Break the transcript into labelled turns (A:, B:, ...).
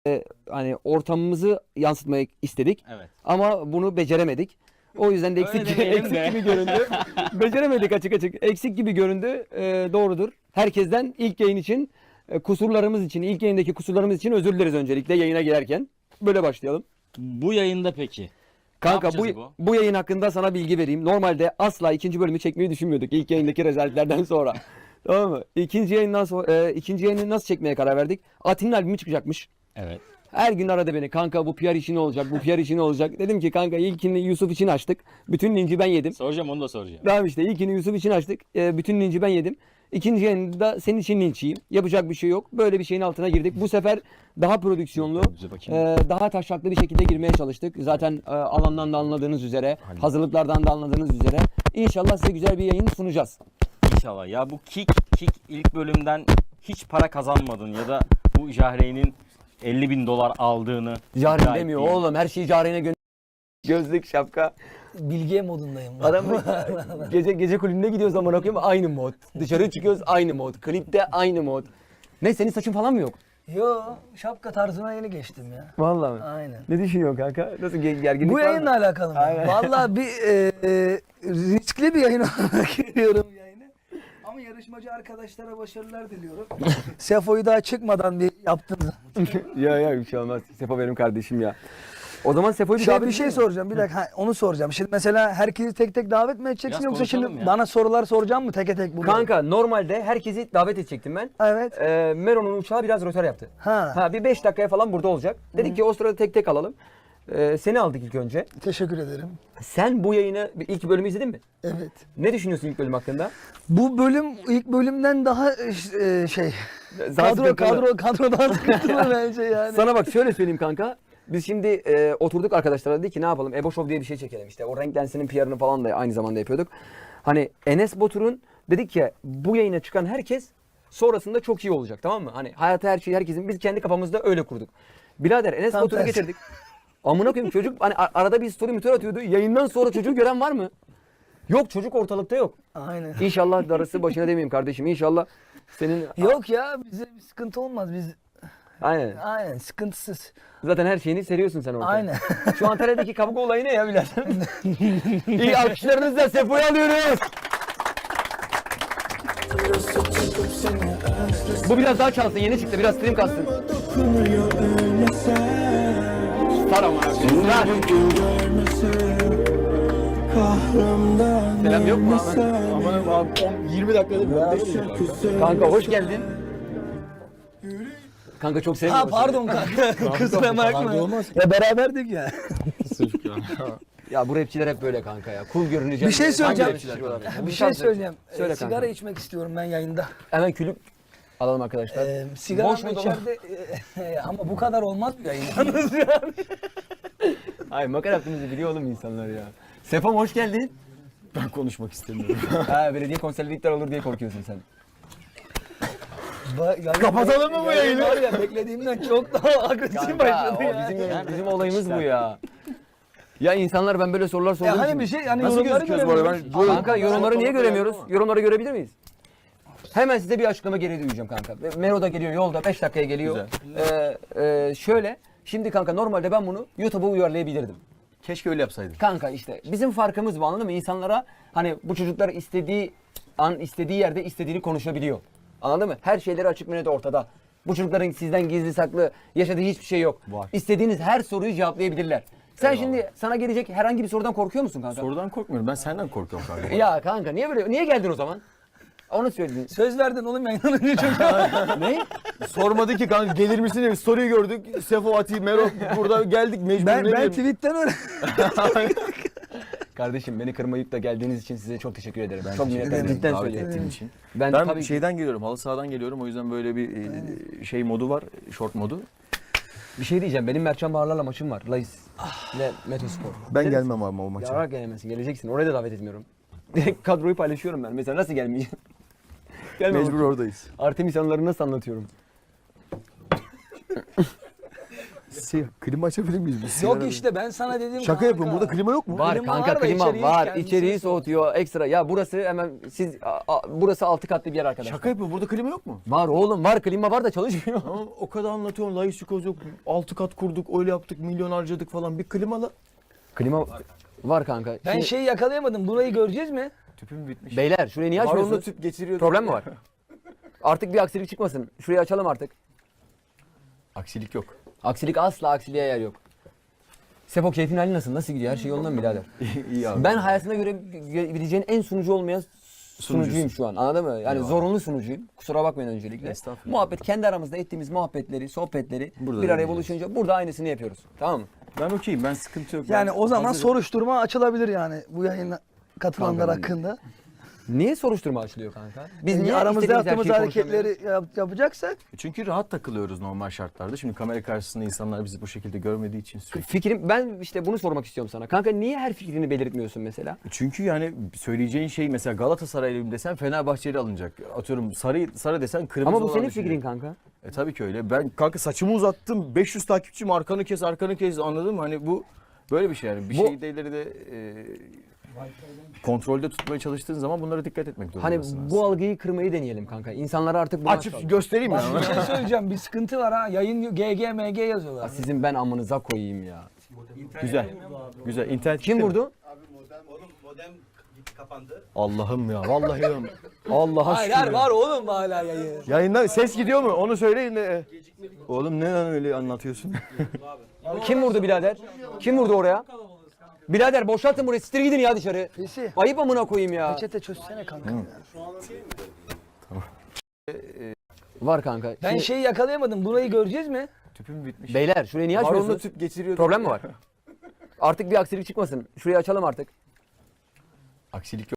A: Hani ortamımızı yansıtmayı istedik.
B: Evet.
A: Ama bunu beceremedik. O yüzden de eksik gibi göründü. Beceremedik açık açık. Eksik gibi göründü. Doğrudur. Herkesten ilk yayın için, kusurlarımız için, ilk yayındaki kusurlarımız için özür dileriz öncelikle yayına girerken. Böyle başlayalım.
B: Bu yayında peki.
A: Kanka
B: Ne yapacağız
A: bu yayın hakkında sana bilgi vereyim. Normalde asla ikinci bölümü çekmeyi düşünmüyorduk ilk yayındaki rezaletlerden sonra. Tamam mı? İkinci yayını nasıl çekmeye karar verdik? Ati'nin albümü çıkacakmış.
B: Evet.
A: Her gün aradı beni. Kanka bu PR işi ne olacak? Bu PR işi ne olacak? Dedim ki kanka ilkini Yusuf için açtık. Bütün linci ben yedim.
B: Soracağım, onu da soracağım.
A: Tamam işte ilkini Yusuf için açtık. Bütün linci ben yedim. İkinci yayında senin için linç yiyeyim. Yapacak bir şey yok. Böyle bir şeyin altına girdik. Bu sefer daha prodüksiyonlu, daha taşraklı bir şekilde girmeye çalıştık. Zaten alandan da anladığınız üzere, hazırlıklardan da anladığınız üzere. İnşallah size güzel bir yayın sunacağız.
B: İnşallah. Ya bu Kick ilk bölümden hiç para kazanmadın ya da bu Jahreyn'in 50.000 dolar aldığını
A: Jahreyn
B: iddia
A: demiyor
B: ettiğin-
A: oğlum. Her şeyi Jahreyn'e Gözlük, şapka.
C: Bilge modundayım.
A: Adam gece kulübüne gidiyoruz amına koyayım aynı mod. Dışarı çıkıyoruz aynı mod. Klipte aynı mod. Ne senin saçın falan mı yok?
C: Yo, şapka tarzına yeni geçtim ya.
A: Vallahi mi?
C: Aynen.
A: Ne düşünüyorsun kanka? Nasıl gerginlik
C: Bu
A: var mı?
C: yayınla alakalı mı?
A: Aynen.
C: Vallahi bir riskli bir yayın olarak görüyorum yayını. Ama yarışmacı arkadaşlara başarılar diliyorum. Sefo'yu daha çıkmadan bir yaptınız.
A: Ya bir şey olmaz. Sefa benim kardeşim ya. O zaman Sefo'yu bir
C: Bir şey soracağım. Bir dakika onu soracağım. Şimdi mesela herkesi tek tek davet mi edeceksin
B: Biraz
C: yoksa şimdi
B: konuşalım ya.
C: bana sorular soracağım mı tek tek bunu?
A: Kanka normalde herkesi davet edecektim ben.
C: Evet.
A: Meron'un uçağı biraz rötar yaptı.
C: Ha.
A: Bir 5 dakikaya falan burada olacak. Dedik ki o sırada tek tek alalım. Seni aldık ilk önce.
C: Teşekkür ederim.
A: Sen bu yayını ilk bölümü izledin mi?
C: Evet.
A: Ne düşünüyorsun ilk bölüm hakkında?
C: Bu bölüm ilk bölümden daha şey
A: Daha sıkıntılı.
C: kadro daha sıkıntılı bence yani.
A: Sana bak şöyle söyleyeyim kanka. Biz şimdi oturduk arkadaşlarla dedik ki ne yapalım? Ebo Show diye bir şey çekelim işte. O Renk Lensi'nin PR'ını falan da aynı zamanda yapıyorduk. Hani Enes Batur'un dedik ki bu yayına çıkan herkes sonrasında çok iyi olacak, tamam mı? Hani hayata her şeyi herkesin biz kendi kafamızda öyle kurduk. Birader Enes
C: Tam
A: Batur'u
C: tersi.
A: getirdik. Amına koyayım çocuk hani arada bir story mütör atıyordu. Yayından sonra çocuğu gören var mı? Yok, çocuk ortalıkta yok.
C: Aynen.
A: İnşallah darısı başına demeyeyim kardeşim. İnşallah senin...
C: Yok ya bize bir sıkıntı olmaz biz.
A: Aynen.
C: Sıkıntısız.
A: Zaten her şeyini seriyorsun sen ortaya.
C: Aynen.
A: Şu Antalya'daki kavga olayı ne ya birader? İyi alkışlarınızla Sefo'yu alıyoruz. Bu biraz daha çalsın, yeni çıktı, biraz stream kalsın. Star ama. Star. Selam yok mu?
D: Aman 20 dakikada
A: Kanka hoş geldin. Kanka çok sevmiyorum.
C: Pardon kanka. Kusura bakma. Ya beraberdik ya.
A: Ya bu rapçiler hep böyle kanka ya. Cool görüneceğim.
C: Bir şey
A: diye.
C: söyleyeceğim.
A: Hangi rapçiler kanka?
C: Bir şey söyleyeceğim.
A: Söyle kanka.
C: Sigara içmek istiyorum ben yayında.
A: Hemen külüp alalım arkadaşlar.
C: Sigara
A: Boş mu dolu mu?
C: içeride ama bu kadar olmaz bir yayın.
A: Ay makara yaptığımızı biliyor oğlum insanlar ya. Sefam hoş geldin.
D: Ben konuşmak istemiyorum.
A: Belediye konserlikler olur diye korkuyorsun sen.
C: Kapatalım
D: mı bu yayını?
C: Var ya beklediğimden çok daha agresif başladı ya.
A: Bizim olayımız bu ya. Ya insanlar ben böyle sorular sorduğum
C: Ya hani
A: için-
C: bir şey hani
D: Nasıl
C: yorumları
D: gözüküyoruz bu arada?
C: göremiyoruz.
A: Kanka yorumları niye
D: Ortalıkta
A: göremiyoruz?
D: yani
A: Yorumları görebilir miyiz? Hemen size bir açıklama geri duyacağım kanka. Mero da geliyor yolda 5 dakikaya geliyor. Şöyle şimdi kanka normalde ben bunu YouTube'a uyarlayabilirdim.
D: Keşke öyle yapsaydık.
A: Kanka işte bizim farkımız bu, anladın mı? İnsanlara hani bu çocuklar istediği an istediği yerde istediğini konuşabiliyor. Anladın mı? Her şeyleri açık ve net ortada. Bu çocukların sizden gizli saklı yaşadığı hiçbir şey yok.
D: Var.
A: İstediğiniz her soruyu cevaplayabilirler. Sen şimdi sana gelecek herhangi bir sorudan korkuyor musun kanka?
D: Sorudan korkmuyorum. Ben senden korkuyorum kanka.
A: Ya kanka niye geldin o zaman? Onu söyledin.
C: Söz verdin oğlum yayından önce çok.
A: Ne?
D: Sormadı ki kanka gelir misin diye bir story gördük. Sefo, Ati, Mero burada geldik mecbur.
C: Ben tweetten öyle.
A: Kardeşim beni kırmayıp da geldiğiniz için size çok teşekkür ederim. Çok
D: teşekkür
A: minnettarım.
D: ederim
A: Cidden
D: davet
A: söylüyorum.
D: ettiğin için.
A: Ben
D: Ben
A: tabii ki-
D: şeyden geliyorum, halı sahadan geliyorum. O yüzden böyle bir şey modu var, short modu.
A: bir şey diyeceğim. Benim Mertcan Baharlar'la maçım var. Lais ile Metospor.
D: Ben
A: Gelir
D: gelmem ama o maça.
A: Ya gelemezsin, geleceksin. Oraya da davet etmiyorum. Direkt kadroyu paylaşıyorum ben. Mesela nasıl gelmeyeceğim? Gelme
D: Mecbur oradayız.
A: Artemis anılarını nasıl anlatıyorum?
D: klima açabilir miyiz biz?
C: Yok
D: Sigara-
C: işte ben sana dedim
D: Şaka
C: kanka.
D: yapıyorum. Burada klima yok mu?
A: Var
C: Klima
A: kanka,
C: var da
A: klima
C: içeriği
A: var.
C: kendisi
A: İçeriği
C: soğutuyor.
A: soğutuyor ekstra. Ya burası hemen burası 6 katlı bir yer arkadaşlar.
D: Şaka yapıyorum. Burada klima yok mu?
A: Var oğlum, var, klima var da çalışmıyor.
D: Ama o kadar anlatıyorsun. Laisikoz yok. 6 kat kurduk. Öyle yaptık. Milyon harcadık falan. Bir klimalı.
A: Klima var kanka.
C: Ben
A: Şimdi-
C: şeyi yakalayamadım. Burayı göreceğiz mi?
D: Tüpüm bitmiş.
A: Beyler şurayı niye
D: Var onda
A: açmıyorsunuz?
D: tüp geçiriyor.
A: Problem mi var? Artık bir aksilik çıkmasın. Şurayı açalım artık.
D: Aksilik yok.
A: Aksilik, asla aksiliğe yer yok. Sepo, keyfin hali nasıl? Nasıl gidiyor? Her şey yolunda mı birader?
D: İyi abi.
A: Ben hayatına göre bileceğin en sunucu olmayan sunucuyum şu an. Anladın mı? Yani zorunlu sunucuyum. Kusura bakmayın öncelikle.
D: Estağfurullah.
A: Muhabbet, kendi aramızda ettiğimiz muhabbetleri, sohbetleri
D: Burada
A: bir
D: da
A: araya
D: yapacağız.
A: buluşunca burada aynısını yapıyoruz. Tamam mı?
D: Ben okeyim. Ben sıkıntı yok.
C: Yani
D: Ben
C: o zaman
D: hazırım.
C: soruşturma açılabilir yani bu yayına katılanlar
A: Kanka ben-
C: hakkında.
A: Niye soruşturma açılıyor kanka? Biz niye
C: aramızda
A: istediğimiz her
C: yaptığımız
A: şeyi konuşamıyoruz?
C: hareketleri yapacaksak
D: Çünkü rahat takılıyoruz normal şartlarda. Şimdi kamera karşısında insanlar bizi bu şekilde görmediği için sürekli.
A: Fikrim, ben işte bunu sormak istiyorum sana. Kanka niye her fikrini belirtmiyorsun mesela?
D: Çünkü yani söyleyeceğin şey mesela Galatasaraylıyım desen Fenerbahçeli alınacak. Atıyorum sarı desen kırmızı
A: Ama bu
D: olan
A: senin
D: düşünecek.
A: fikrin kanka.
D: Tabii ki öyle. Ben kanka saçımı uzattım. 500 takipçim arkanı kes anladın mı? Hani bu böyle bir şey yani. Bir
A: Bu-
D: şeyleri de kontrolde tutmaya çalıştığın zaman bunlara dikkat etmek
A: Hani
D: zorundasın.
A: bu algıyı kırmayı deneyelim kanka. İnsanlara artık bunu
D: açıp göstereyim mi?
C: bir şey söyleyeceğim. Bir sıkıntı var ha. Yayın GG yazıyorlar.
A: Sizin ben amınıza koyayım ya.
D: Güzel. Güzel. İnternet
A: Kim
D: gitti mi?
A: vurdu?
E: Oğlum modem gitti kapandı.
D: Allah'ım ya. Vallahi ya. Allah'a
C: Hayır
D: şükür.
C: hayır
D: ya.
C: var oğlum hala yayın.
D: Yayında ses gidiyor mu? Onu söyleyin de. Oğlum ne lan öyle anlatıyorsun?
A: Kim vurdu birader? Kim vurdu oraya? Birader boşaltın burayı, siktir gidin ya dışarı.
C: Fesi.
A: Ayıp amına koyayım ya.
C: Peçete çözsene kanka. ya.
A: Var kanka.
C: Ben
A: Şimdi-
C: şeyi yakalayamadım. Burayı göreceğiz mi?
D: Tüpüm bitmiş.
A: Beyler şurayı niye
D: Var onda
A: açmıyorsunuz?
D: tüp geçiriyor.
A: Problem mi var? Artık bir aksilik çıkmasın. Şurayı açalım artık.
D: Aksilik yok.